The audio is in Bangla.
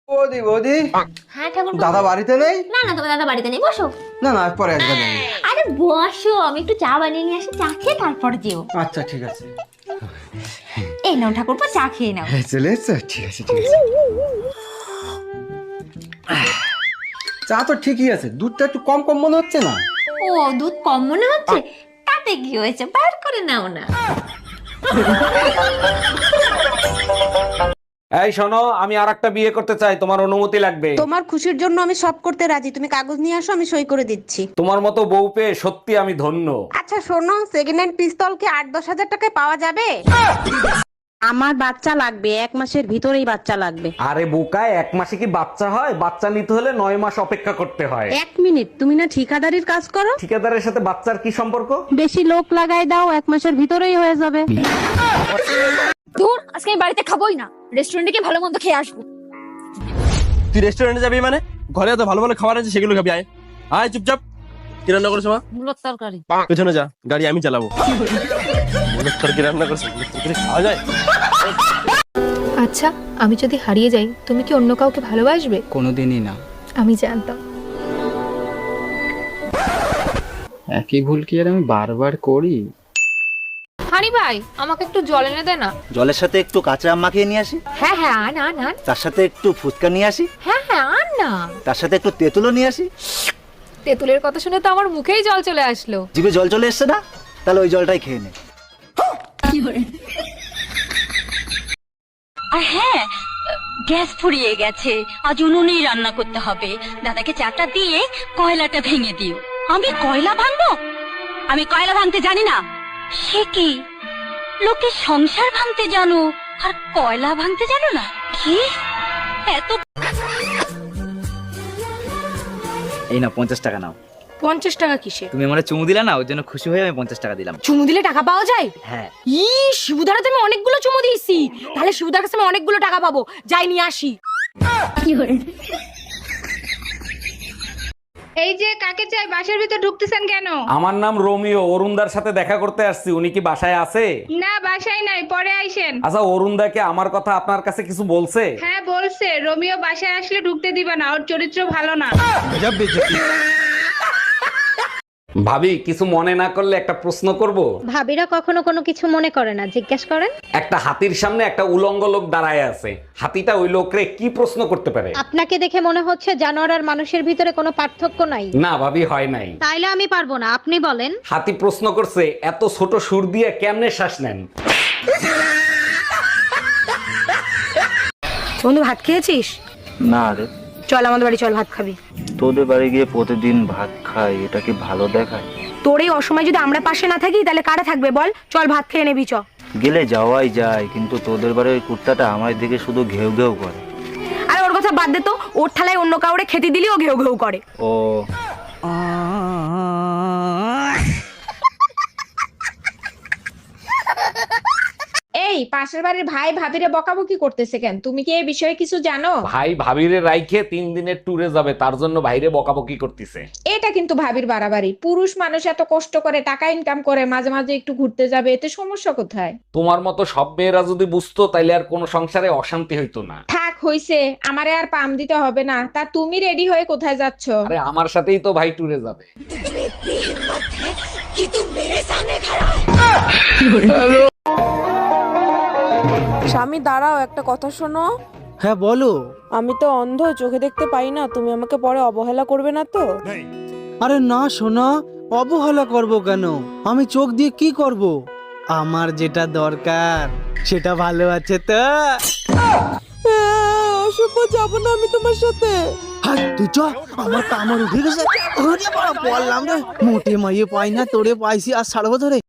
বৌদি বৌদি, হ্যাঁ ঠাকুর। দাদা বাড়িতে নেই? না না, তোমার দাদা বাড়িতে নেই, বসো। না না, পরে একবার নেই। আরে বসো, আমি একটু চা বানিয়ে নিয়ে আসি, চা খেয়ে তারপর যেও। আচ্ছা ঠিক আছে। এই নাও ঠাকুরপো, চা খেয়ে নাও। চলে এসছো? ঠিক আছে ঠিক আছে। চা তো ঠিকই আছে, দুধটা একটু কম কম মনে হচ্ছে না? ও, দুধ কম মনে হচ্ছে? তাতে কি হয়েছে, বার করে নাও না। এই শোনো, আমি আরেকটা বিয়ে করতে চাই, তোমার অনুমতি লাগবে। তোমার খুশির জন্য আমি সব করতে রাজি, তুমি কাগজ নিয়ে আসো, আমি সই করে দিচ্ছি। তোমার মতো বউ পেয়ে সত্যি আমি ধন্য। আচ্ছা শোনো, সেকেন্ড হ্যান্ড পিস্তল কি 8-10 হাজার টাকায় পাওয়া যাবে? আমার বাচ্চা লাগবে, 1 মাসের ভিতরেই বাচ্চা লাগবে। আরে বোকায়, 1 মাসে কি বাচ্চা হয়? বাচ্চা নিতে হলে 9 মাস অপেক্ষা করতে হয়। 1 মিনিট, তুমি না ঠিকাদারির কাজ করো? ঠিকাদারের সাথে বাচ্চার কি সম্পর্ক? বেশি লোক লাগাই দাও, 1 মাসের ভিতরেই হয়ে যাবে। দূর, আজকে আমি বাড়িতে খাবোই না, রেস্টুরেন্টে গিয়ে ভালো মন্দ খেয়ে আসবো। তুই রেস্টুরেন্টে যাবি মানে? ঘরে এত ভালো ভালো খাবার আছে, সেগুলো খাবি। আয় আয়, চুপচাপ। কি রান্না করেছো মা? মূলত তরকারি। পেছনে যা, গাড়ি আমি চালাবো। মূলের তরকারি রান্না করছো, মূলের তরকারি খাওয়া যায়? আচ্ছা, আমি যদি হারিয়ে যাই তুমি কি অন্য কাউকে ভালোবাসবে? কোনোদিনই না। আমি জানতাম। একই ভুল কি আর আমি বারবার করি? হানি ভাই, আমাকে একটু জল এনে দে না। জলের সাথে একটু কাঁচা আম মাখিয়ে নিয়ে আসি, হ্যাঁ হ্যাঁ, আন আন আন। তার সাথে একটু ফুচকা নিয়ে আসি, হ্যাঁ হ্যাঁ, আন না। তার সাথে একটু তেঁতুলও নিয়ে আসি। তেঁতুলের কথা শুনে তো আমার মুখেই জল চলে আসলো। জিভে জল চলে এসছে না? তাহলে ওই জলটাই খেয়ে নে। আর হ্যাঁ, গ্যাস ফুরিয়ে গেছে, আজ উনুনেই রান্না করতে হবে। দাদাকে চাটা দিয়ে কয়লাটা ভেঙে দিও। আমি কয়লা ভাঙবো? আমি কয়লা ভাঙতে জানি না। সে কি, লোকে সংসার ভাঙতে জানো আর কয়লা ভাঙতে জানো না? কি এত? এই না, 50 টাকা নাও। 50 টাকা কিসে? তুমি আমার চুমু দিলা না, ওর জন্য খুশি হয়ে আমি 50 টাকা দিলাম। চুমু দিলে টাকা পাওয়া যায়? হ্যাঁ। ই, শিবুদারাতে আমি অনেকগুলো চুমু দিয়েছি, তাহলে শিবুদার কাছে আমি অনেকগুলো টাকা পাবো। যাই নিয়ে আসি। এই যে কাকে চাই, বাসার ভিতর ঢুকতেছেন কেন? আমার নাম রোমিও, অরুণদার সাথে দেখা করতে আসছি। উনি কি বাসায় আছে? না, বাসায় নাই, পরে আইসেন। আচ্ছা, অরুণদাকে আমার কথা আপনার কাছে কিছু বলছে? হ্যাঁ বলছে, রোমিও বাসায় আসলে ঢুকতে দিবা না, ওর চরিত্র ভালো না। ভাবি, কিছু মনে না করলে একটা প্রশ্ন করব? ভাবিরা কখনো কোনো কিছু মনে করে না, জিজ্ঞেস করেন। একটা হাতির সামনে একটা উলঙ্গ লোক দাঁড়ায় আছে। হাতিটা ওই লোকরে কি প্রশ্ন করতে পারে? আপনাকে দেখে মনে হচ্ছে জানোয়ার আর মানুষের ভিতরে কোনো পার্থক্য নাই। না ভাবি, হয় নাই। তাইলে আমি পারবো না, আপনি বলেন। হাতি প্রশ্ন করছে, এত ছোট সুর দিয়ে কেমনে শ্বাস নেন? বন্ধু, ভাত খেয়েছিস? না রে, চল আমাদের বাড়ি, চল ভাত খাবি। তোদের বাড়ি গিয়ে প্রতিদিন ভাত খাই, এটা কি ভালো দেখায়? তোর এই অসময় যদি আমরা পাশে না থাকি তাহলে কারা থাকবে বল? চল ভাত খেয়ে নেবি, চ। গেলে যাওয়াই যায়, কিন্তু তোদের বাড়ির ওই কুত্তাটা আমার দিকে শুধু ঘেউ ঘেউ করে। আরে ওর কথা বাদ দে তো, ওর থালায় অন্য কাউরে খেতে দিলি ও ঘেউ ঘেউ করে। ও, এই পাশের বাড়ির ভাই ভাবিরে বকাবকি করতেছে কেন? তুমি কি এই বিষয়ে কিছু জানো? ভাই ভাবিরে রাইখে 3 দিনের ট্যুরে যাবে, তার জন্য ভাইরে বকাবকি করতেছে। এটা কিন্তু ভাবির বাড়াবাড়ি। পুরুষ মানুষ এত কষ্ট করে টাকা ইনকাম করে, মাঝে মাঝে একটু ঘুরতে যাবে, এতে সমস্যা কোথায়? তোমার মতো সব মেয়েরা যদি বুঝতো, তাইলে আর কোনো সংসারে অশান্তি হইতো না। থাক হইছে, আমারে আর পাম দিতে হবে না। তা তুমি রেডি হয়ে কোথায় যাচ্ছ? আরে আমার সাথেই তো ভাই ট্যুরে যাবে। স্বামী দাঁড়াও, একটা কথা শোনো। হ্যাঁ বলো। আমি তো অন্ধ, চোখে দেখতে পাই না, তুমি আমাকে পরে অবহেলা করবে না তো? আরে না সোনা, অবহেলা করব কেন? আমি চোখ দিয়ে কি করব? আমার যেটা দরকার সেটা ভালো আছে তো। অসভ্য, যাবো না আমি তোমার সাথে। হাই তুই চ, আমার কামড় উঠে গেছে। ওরে বাবা, বললাম রে, মোটে মাইয়ে পাই না, তোরে পাইছি আর ছাড়বো ধরে।